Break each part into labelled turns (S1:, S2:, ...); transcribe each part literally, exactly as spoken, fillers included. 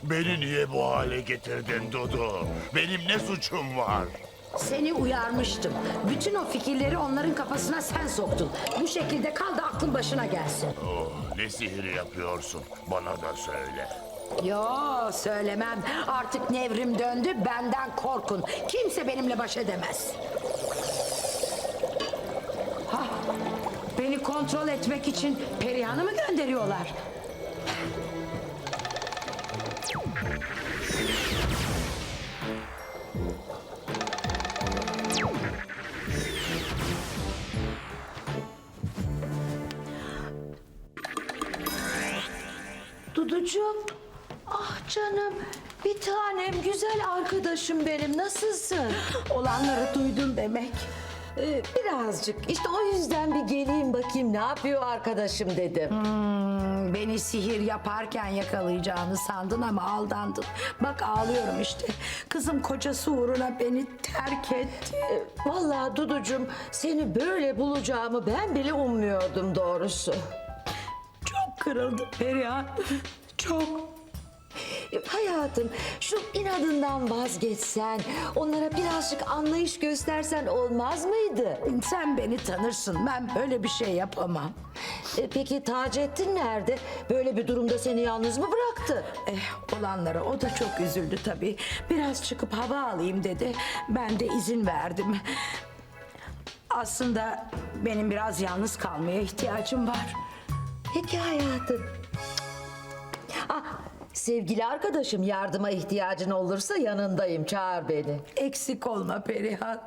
S1: Beni niye bu hale getirdin Dudu? Benim ne suçum var?
S2: Seni uyarmıştım. Bütün o fikirleri onların kafasına sen soktun. Bu şekilde kal da aklın başına gelsin.
S1: Oh, ne sihir yapıyorsun? Bana da söyle.
S2: Yo, söylemem. Artık nevrim döndü, benden korkun. Kimse benimle baş edemez. Hah, beni kontrol etmek için Perihan'ı mı gönderiyorlar?
S3: Duducuğum, ah canım, bir tanem, güzel arkadaşım benim, nasılsın?
S2: Olanları duydun demek.
S3: Ee, birazcık, işte o yüzden bir geleyim bakayım ne yapıyor arkadaşım dedim.
S2: Hmm, beni sihir yaparken yakalayacağını sandın ama aldandın. Bak ağlıyorum işte. Kızım kocası uğruna beni terk etti.
S3: Ee, vallahi Duducuğum, seni böyle bulacağımı ben bile ummuyordum doğrusu.
S2: Çok kırıldım Perihan. Çok.
S3: Ee, Hayatım, şu inadından vazgeçsen, onlara birazcık anlayış göstersen olmaz mıydı?
S2: Sen beni tanırsın. Ben böyle bir şey yapamam.
S3: Ee, peki Taceddin nerede? Böyle bir durumda seni yalnız mı bıraktı?
S2: Eh, olanlara o da çok üzüldü tabii. Biraz çıkıp hava alayım dedi. Ben de izin verdim. Aslında benim biraz yalnız kalmaya ihtiyacım var.
S3: Peki hayatım. Ah, sevgili arkadaşım, yardıma ihtiyacın olursa yanındayım, çağır beni.
S2: Eksik olma Perihan.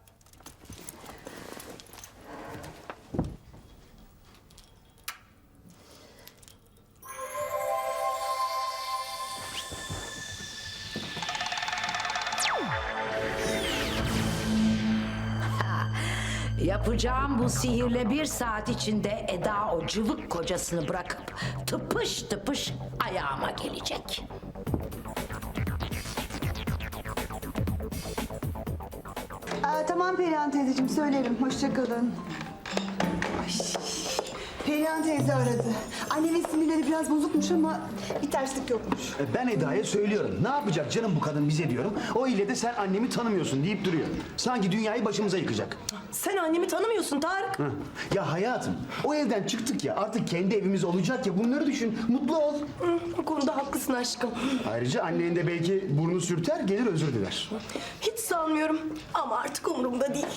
S2: Yapacağım bu sihirle bir saat içinde Eda o cıvık kocasını bırakıp tıpış tıpış ayağıma gelecek.
S4: Aa, tamam Perihan teyzeciğim, söylerim. Hoşça kalın. Ay, Perihan teyze aradı. Annemin sinirleri biraz bozukmuş ama bir terslik yokmuş.
S5: E, Ben Eda'ya söylüyorum. Ne yapacak canım bu kadın bize diyorum. O ile de sen annemi tanımıyorsun deyip duruyor. Sanki dünyayı başımıza yıkacak.
S6: Sen annemi tanımıyorsun Tarık.
S5: Hı. Ya hayatım, o evden çıktık ya, artık kendi evimiz olacak ya, bunları düşün. Mutlu ol.
S6: Hı, bu konuda haklısın aşkım.
S5: Ayrıca annen de belki burnu sürter, gelir özür diler.
S6: Hiç sanmıyorum ama artık umurumda değil.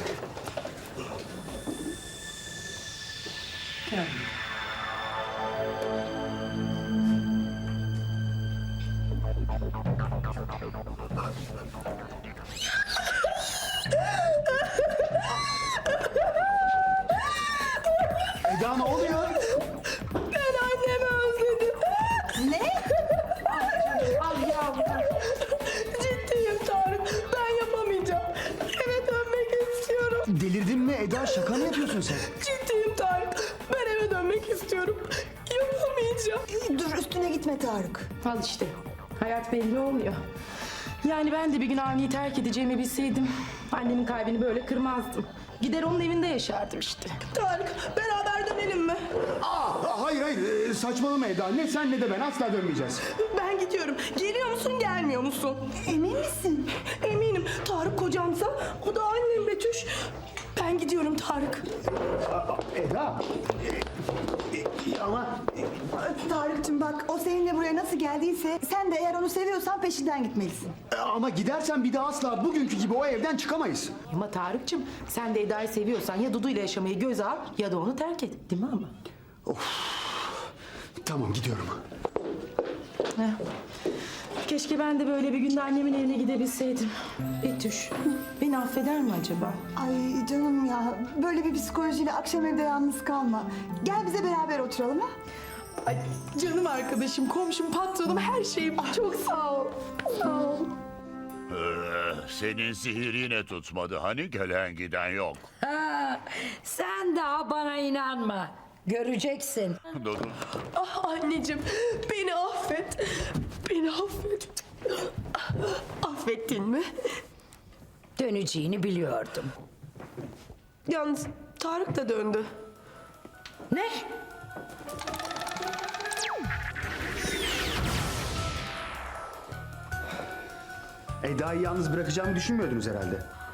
S5: Eda ne oluyor?
S6: Ben annemi özledim.
S4: Ne?
S2: Al yavrum.
S6: Ciddiyim Tarık. Ben yapamayacağım. Eve dönmek istiyorum.
S5: Delirdin mi Eda? Şaka mı yapıyorsun sen?
S6: Ciddiyim Tarık. Ben eve dönmek istiyorum. Yapamayacağım.
S4: Dur, üstüne gitme Tarık.
S6: Al işte. Hayat belli olmuyor. Yani ben de bir gün Avni'yi terk edeceğimi bilseydim annemin kalbini böyle kırmazdım. Gider onun evinde yaşardım işte. Tarık, beraber dönelim mi?
S5: Aa, hayır hayır, Ee, saçmalama Eda. Ne sen ne de ben asla dönmeyeceğiz.
S6: Ben gidiyorum. Geliyor musun, gelmiyor musun?
S4: Emin misin?
S6: Eminim. Tarık kocamsa o da annem Betüş. Ben gidiyorum Tarık.
S5: Eda, e, e, ama
S4: Tarık'cığım bak, o seninle buraya nasıl geldiyse sen de eğer onu seviyorsan peşinden gitmelisin.
S5: e, ama gidersen bir daha asla bugünkü gibi o evden çıkamayız.
S6: Ama Tarık'cığım sen de Eda'yı seviyorsan ya Dudu ile yaşamayı göze al ya da onu terk et. Değil mi ama?
S5: Tamam, gidiyorum.
S6: Heh. Keşke ben de böyle bir günde annemin evine gidebilseydim. Betüş, beni affeder mi acaba?
S4: Ay canım ya, böyle bir psikolojiyle akşam evde yalnız kalma. Gel bize beraber oturalım ha.
S6: Ay, canım arkadaşım, komşum, patronum, her şeyim. Çok sağ ol. Sağ ol.
S1: Ee, senin sihir yine tutmadı. Hani gelen giden yok.
S2: Ha, sen daha bana inanma. Göreceksin.
S1: Dudu.
S6: Ah anneciğim, beni affet. Beni affet. Affettin mi?
S2: Döneceğini biliyordum.
S6: Yalnız Tarık da döndü.
S2: Ne?
S5: Eda'yı yalnız bırakacağımı düşünmüyordunuz herhalde.